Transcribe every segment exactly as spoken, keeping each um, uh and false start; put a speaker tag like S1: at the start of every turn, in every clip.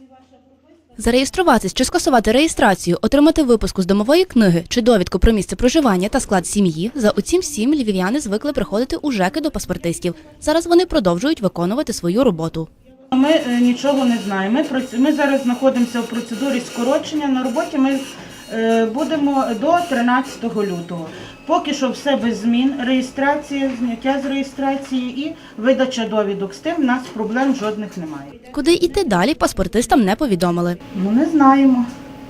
S1: Зареєструватись чи скасувати реєстрацію, отримати випуску з домової книги чи довідку про місце проживання та склад сім'ї – за оцім всім львів'яни звикли приходити у ЖЕКи до паспортистів. Зараз вони продовжують виконувати свою роботу.
S2: Ми е, нічого не знаємо. Ми, ми зараз знаходимося в процедурі скорочення. На роботі ми е, будемо до тринадцятого лютого. Поки що все без змін. Реєстрація, зняття з реєстрації і видача довідок. З тим в нас проблем жодних немає.
S1: Куди йти далі, паспортистам не повідомили.
S2: Ну, не знаємо.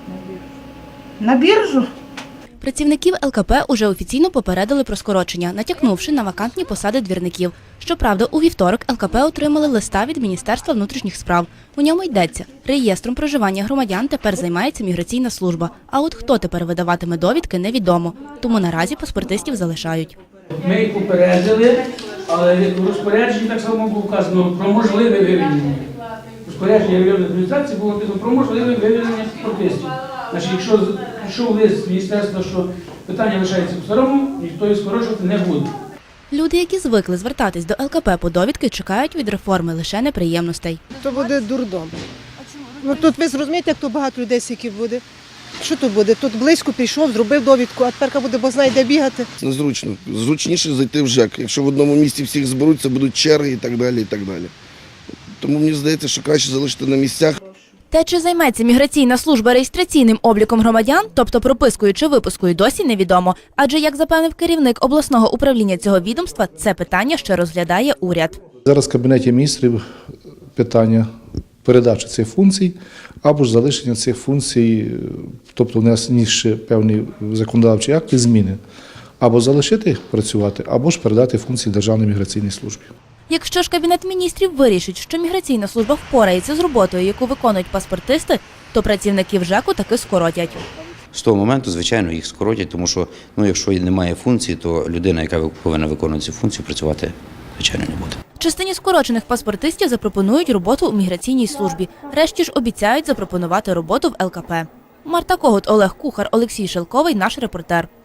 S2: На біржу.
S1: Працівників ел ка пе уже офіційно попередили про скорочення, натякнувши на вакантні посади двірників. Щоправда, у вівторок ел ка пе отримали листа від Міністерства внутрішніх справ. У ньому йдеться, реєстром проживання громадян тепер займається міграційна служба. А от хто тепер видаватиме довідки, невідомо. Тому наразі паспортистів залишають.
S3: Ми їх попередили, але в розпорядженні так само було вказано про можливе вивільнення. Розпорядження районної адміністрації було написано про можливе вивільнення паспортистів. Значить, якщо пішов лист з міністерства, що питання лишається по-старому, ніхто їх скорочувати не буде.
S1: Люди, які звикли звертатись до ел ка пе по довідки, чекають від реформи лише неприємностей.
S4: То буде дурдом. Ну, тут ви зрозумієте, як то багато людей скільки буде. Що тут буде? Тут близько пішов, зробив довідку, а тепер буде, бо знає, де бігати.
S5: Незручно. Зручніше зайти в ЖЕК. Якщо в одному місці всіх зберуться, будуть черги і так далі, і так далі. Тому мені здається, що краще залишити на місцях.
S1: Те, чи займеться міграційна служба реєстраційним обліком громадян, тобто пропискою чи випускою, досі невідомо. Адже, як запевнив керівник обласного управління цього відомства, це питання ще розглядає уряд.
S6: Зараз в Кабінеті міністрів питання передачі цих функцій або ж залишення цих функцій, тобто внесені ще певні законодавчі акти, зміни. Або залишити їх працювати, або ж передати функції Державній міграційній службі.
S1: Якщо ж Кабінет міністрів вирішить, що міграційна служба впорається з роботою, яку виконують паспортисти, то працівників ЖЕКу таки скоротять.
S7: З того моменту, звичайно, їх скоротять, тому що, ну, якщо немає функції, то людина, яка повинна виконувати цю функцію, працювати, звичайно, не буде.
S1: Частині скорочених паспортистів запропонують роботу у міграційній службі. Решті ж обіцяють запропонувати роботу в ел ка пе. Марта Когут, Олег Кухар, Олексій Шелковий, наш репортер.